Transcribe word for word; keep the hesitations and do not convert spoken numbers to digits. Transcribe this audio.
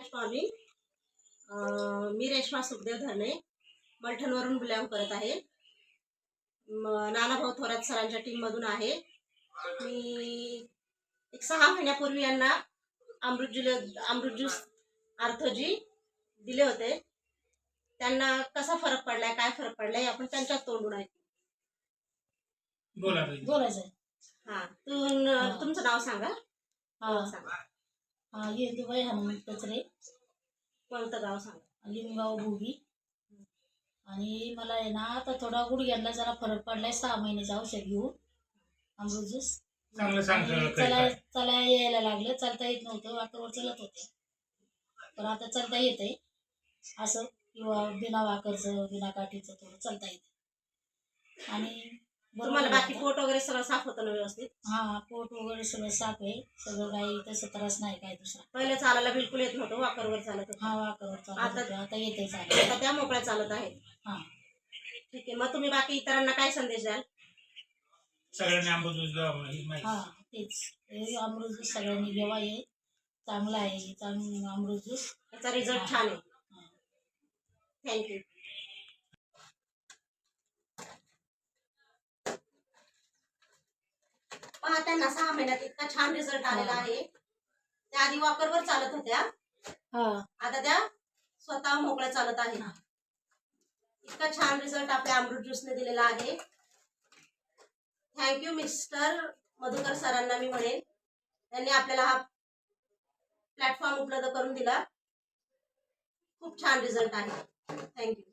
Good morning. मी रेश्मा सुखदेव धरणे मलठणवरून belong करत आहे. नानाभाऊ थोरात सरांच्या टीममधून आहे. मी एक सहा महिन्यापूर्वी यांना अमृत ज्यूस अमृत ज्यूस आर्थोजी दिले होते. त्यांना कसा फरक पडलाय, काय फरक पडलाय आपण त्यांच्याच तोंडून ऐकू. बोला बोलायचं. हा तू तुमचं नाव सांगा. हा सांगा. हा येदुबाई हनुमंत कचरे, कोणतं गाव सांगा. लिंबगाव भोगी. आणि मला आहे ना आता थोडा गुडघ्याला जरा फरक पडलाय. सहा महिन्याचं औषध घेऊन अमृत ज्यूस चांगलं सांगतो. चला चला यायला लागलं. चालता येत नव्हतं, वाकरवर चलत होते, पण आता चालता येतंय असं, किंवा बिना वाकरचं बिना काठीचं थोडं चालता येतं. आणि तुम्हाला बाकी पोट वगैरे सगळं साफ होतं ना व्यवस्थित? हा पोट वगैरे सगळं साफ आहे, सगळं काही तसं त्रास नाही काय दुसरा. पहिले चालायला बिलकुल येत नव्हतं, वाकरवर चालत होतं. हा वाकरवर चालत आता होते, आता येते चालत. आता त्या मोकळ्या चालत आहेत. हा ठीक आहे. मग तुम्ही बाकी इतरांना काय संदेश द्याल? सगळ्यांनी अमृत ज्यूस घ्यावा ही माहिती. हा तेच, हे अमृत ज्यूस सगळ्यांनी घ्यावा. हे चांगला आहे, चांगलं अमृत ज्यूस. त्याचा रिझल्ट छान आहे. थँक्यू. पहा, त्यांना सहा महिन्यात इतका छान रिझल्ट आलेला आहे. त्या आधी वॉकरवर चालत होत्या, आता त्या स्वतः मोकळ्या चालत आहेत. इतका छान रिझल्ट आपल्या अमृत ज्यूसने दिलेला आहे. थँक्यू मिस्टर मधुकर सरांना मी म्हणेन, त्यांनी आपल्याला हा प्लॅटफॉर्म उपलब्ध करून दिला. खूप छान रिझल्ट आहे. थँक्यू.